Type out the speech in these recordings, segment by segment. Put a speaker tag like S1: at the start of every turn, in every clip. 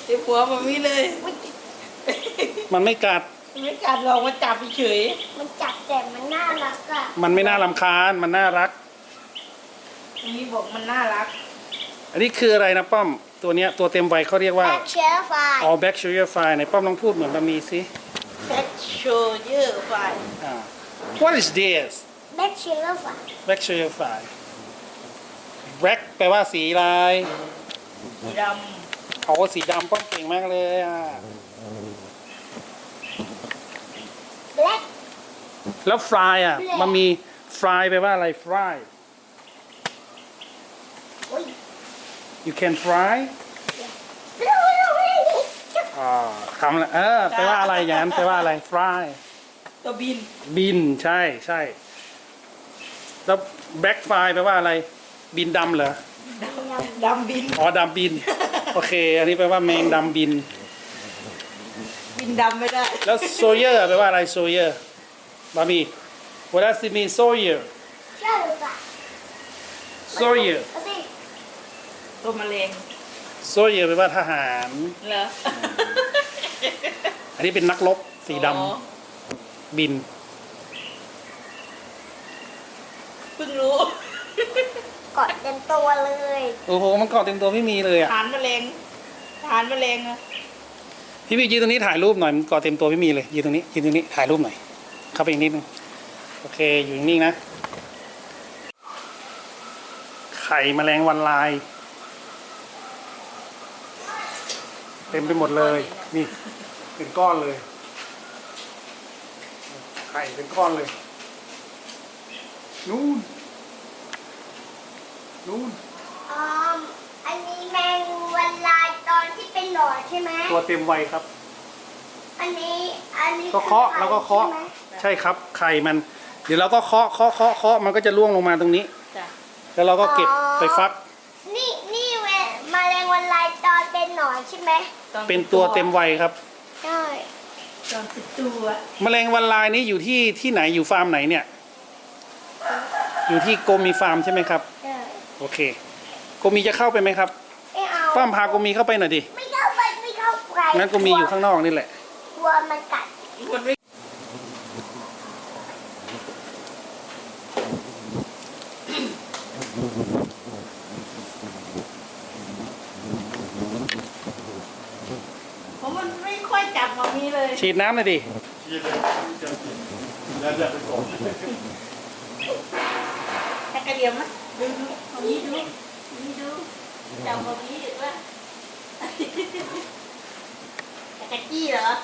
S1: เต็มหัวมันมีเลย
S2: มันไม่กัด
S1: ไม่กัดลองมาจับเฉย
S3: มันจับแต่มันน่ารักอ่ะ
S2: มันไม่น่ารำคาญมันน่ารัก
S1: มีบอกมันน่ารัก
S2: อันนี้คืออะไรนะป้อมตัวเนี้ยตัวเต็มวัยเขาเรียกว่า
S3: แบ็คเชอร์ไฟ
S2: all bacteria fly ในป้อมลองพูดเหมือนบะหมี่สิ
S1: แบ็คโชเยอร์ไฟ
S2: อ่า what is this
S3: แบ็คเชอร์ไฟ
S2: bacteria fly black แปลว่าสีอะไร
S1: สีด
S2: โอ้สีดำป้อมเก่งมากเลยอ่ะ
S3: แบล็ค
S2: แล้ว fly อ่ะ
S3: Black
S2: มันมี fly แปลว่าอะไร fly
S3: โอ้ย
S2: you can fly อ่าคำละแปลว่าอะไรอย่างนั้นแปลว่าอะไร fly
S1: ำตัวบิน
S2: บินใช่ใช่แล้ว black fly แปลว่าอะไร บินดำเหรอ
S1: ดำบิน
S2: อ๋อดำบิน โอเค อันนี้แปลว่าแมงดำบิน
S1: บินดำไม่ได้
S2: แล้วโซเยอร์แปลว่าอะไรโซเยอร์บามี what does it mean soldier
S3: เชื่อหรือเปล่า
S2: soldier
S3: เอาสิ
S1: ตัวมะเร็ง
S2: soldier แปลว่าทหาร
S1: เหรอ
S2: อันนี้เป็นนักรบสีด
S1: อ๋อ
S2: ำบิน
S1: เพิ่งรู้
S3: กอดเต็มตัวเลย
S2: โอ้โห มันเกาะเต็มตัวไม่มีเลยอ่ะ
S1: ฐานมะเร็งฐานมะเร็งอะ
S2: พี่ยืนตรงนี้ถ่ายรูปหน่อย มันเกาะเต็มตัวไม่มีเลยยืนตรงนี้ยืนตรงนี้ถ่ายรูปหน่อย เข้าไปอีกนิดนึง โอเค อยู่นิ่งๆนะ ไข่แมลงวันลาย เต็มไปหมดเลย นี่ เป็นก้อนเลย ไข่เป็นก้อนเลย นู่น นู่น
S3: อ๋ออันนี้แมงวันลายตอนที่เป็นหนอนใช่ไหม
S2: ตัวเต็มวัยครับ
S3: อันนี้
S2: ก็เคาะแล้วก็เคาะ
S3: ใช่ไหม
S2: ใช่ครับ ไข่มัน เดี๋ยวเราก็เคาะมันก็จะร่วงลงมาตรงนี้
S1: จ้ะ
S2: แล้วเราก็เก็บไปฟัก
S3: นี่แมลงวันลายตอนเป็นหนอนใช่ไหม
S1: ตอ
S2: เป็นตัวเต็มวัยครับ
S3: ใช่
S1: ตอนติดตัว
S2: แมลงวันลายนี้อยู่ที่ไหนอยู่ฟาร์มไหนเนี่ย อยู่ที่โกมีฟาร์มใช่ไหมครับ
S3: ใช่
S2: โอเคโกมีจะเข้าไปไหมครับ
S3: ไม่เอา
S2: ป้ามพาโกมีเข้าไปหน่อยดิ
S3: ไม่เข้าไปไม่เข้าไป
S2: งั้นโกมีอยู่ข้างนอกนี่แหละ
S3: กลัวมันกัด
S1: มันไม่เพราะมันไม่ค่อยจับมามีเลย
S2: ฉีดน้ำหน่อยดิ
S1: แค่กระเดียมนะดูเอานี้ดูนี่ดูจับมามีเห็นปะแค่กระจี้เหรอ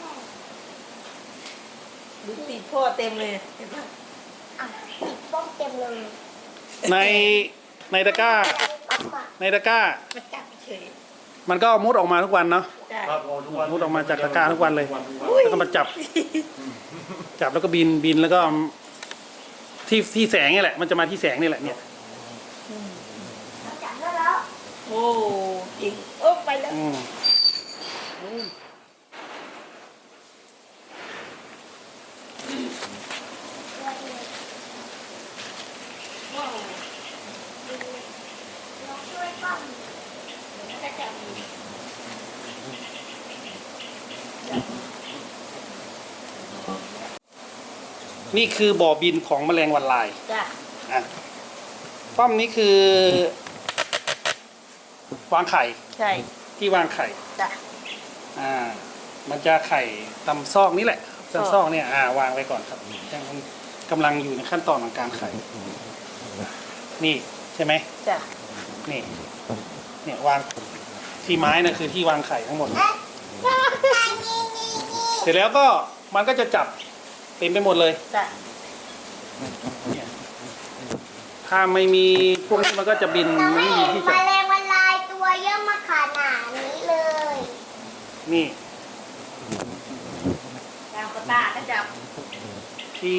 S1: ดูติดพ่อเต็มเลยเห็นปะ
S3: อ่ะติดป้องเต็มเลย
S2: ในตะกร้า ในตะกร้า
S1: มาจับเฉย
S2: มันก็มุดออกมาทุกวันเนาะ
S1: ได้
S2: มุดออกมาจากตะกร้าทุกวันเลย แล้วก็มาจับ จับแล้วก็บินแล้วก็ที่แสงนี่แหละ มันจะมาที่แสงนี่แหละเนี่ย
S3: จับได้แล้ว
S1: โอ้จริงโอ้ไปแล้ว
S2: อืม
S1: ว้าว
S3: เราช่วยป้อง
S1: ก็จับ
S2: นี่คือบ่อบินของแมลงวันลาย
S1: จ้ะ
S2: อ่ะป้อมนี้คือ วางไข่
S1: ใช่
S2: ที่วางไข่
S1: จ้ะ
S2: มันจะไข่ตำซอกนี่แหละตำซอกเนี่ย วางไว้ก่อนครับยังกำลังอยู่ในขั้นตอนของการไข่ นี่ใช่ไหม
S1: จ้ะ
S2: นี่ เนี่ยวางที่ไม้นะคือที่วางไข่ทั้งหมด เสร็จแล้วก็มันก็จะจับเต็มไปหมดเลย
S1: จ้ะ
S2: เนี่ยถ้าไม่มีพวกนี้มันก็จะบิน
S3: เรา
S2: ไม่
S3: ไม่
S2: มี
S3: เห็น
S2: ที่
S3: แม
S2: จะ
S3: ลงวันลายตัวเยอะมาขนาดนี้เลย
S2: นี่
S1: ตามกระตาก็จับ
S2: ที่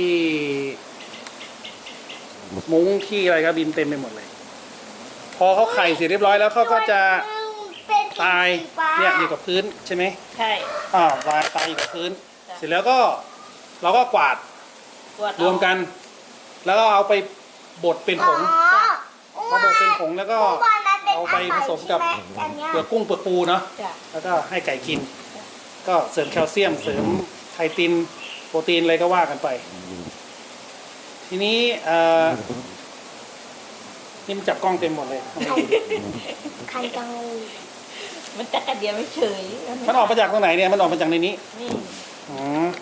S2: มุ้งที่อะไรก็บินเต็มไปหมดเลย พอเขาไข่เสร็จเรียบร้อยแล้วเขาก็จะ
S3: เป็น
S2: ตาย
S3: สีฟ้า
S2: เนี่ยอยู่กับพื้นใช่ไหม
S1: ใช่
S2: วายตายอยู่กับพื้น
S1: จ้ะ
S2: เสร็จแล้วก็เราก็กวาด
S1: ตรวจ
S2: รวมกัน แล้วก็เอาไปบดเป็นผ
S3: อ๋อง
S2: พอบดเป็นผงแล้วก็
S3: เมื่อวานนั้นเป็น
S2: เอาไปผสมกับ
S3: อันเนี้ย
S2: เปลือกกุ้งเปลือกปูเนาะ
S1: จ้ะ
S2: แล้วก็ให้ไก่กิน ก็เสริมแคลเซียมเสริมไคตินโปรตีนอะไรก็ว่ากันไป ทีนี้นี่มันจับกล้องเต็มหมดเลยทำไมดี
S3: คันจังเลย
S1: มันจักระเดียวไม่เฉย
S2: มันออกมาจากตรงไหนเนี่ยมันออกมาจากในนี้
S1: นี่
S2: อ๋อ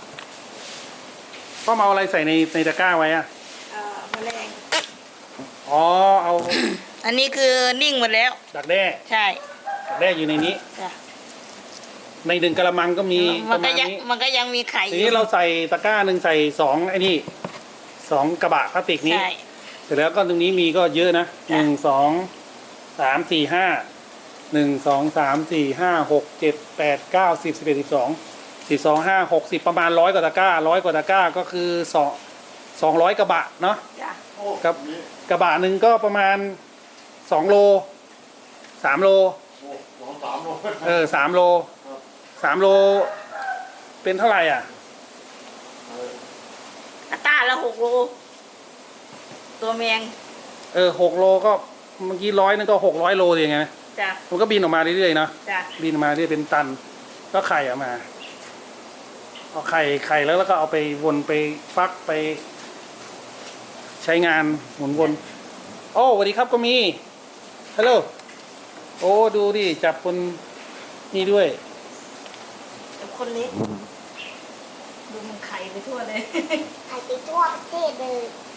S2: ก็มาเอาอะไรใส่ในตะกร้าไว้อะ
S1: แมลง
S2: อ๋อเอา
S1: อันนี้คือนิ่งหมดแล้ว
S2: ดักแด้
S1: ใช่
S2: ดักแด้อยู่ในนี้
S1: จ้ะ
S2: ในหนึ่งกระมังก็มีป
S1: มัน
S2: ระ
S1: ก็
S2: มาณ
S1: ยัง
S2: นี้
S1: มันก็ยังมีไข่อ
S2: ที
S1: ยู่
S2: นี้เราใส่ตะกร้าหนึ่งใส่2ไอ้นี่2กระบะพลาสติกนี้
S1: ใช่
S2: เสร็จแล้วก็ตรงนี้มีก็เยอะนะ
S1: จ้ะ
S2: 1 2 3 4 5 6 7 8 9 10 11 12 12 5 60ประมาณ100 กว่าตะกร้า100 กว่าตะกร้าก็คือ200 กระบะเนาะ
S1: จ้ะ
S2: กับกระบะหนึ่งก็ประมาณ2 โล3 โล
S4: 2-3 โล
S2: 3 โล3 โลเป็นเท่าไหร่อ่ะ
S1: อัตราละ6 โลตัวแมง
S2: 6 โลก็เมื่อกี้100นึงก็600 โลอย่างเงี้ย
S1: จ้ะ
S2: มันก็บินออกมาเรื่อยๆเนาะ
S1: จ้ะ
S2: บินออกมาเรื่อยเป็นตัน ก็ไข่ออกมาเอาไข่แล้วก็เอาไปวนไปฟักไป ใช้งานหมุนวนโอ้สวัสดีครับก็มีฮัลโหลโอ้ดูดิจับคนนี่ด้วย
S1: กับคนเล็กดูมันไข่ไปทั่วเลย
S3: ไข่ไปทั่วประเทศเลย
S1: จ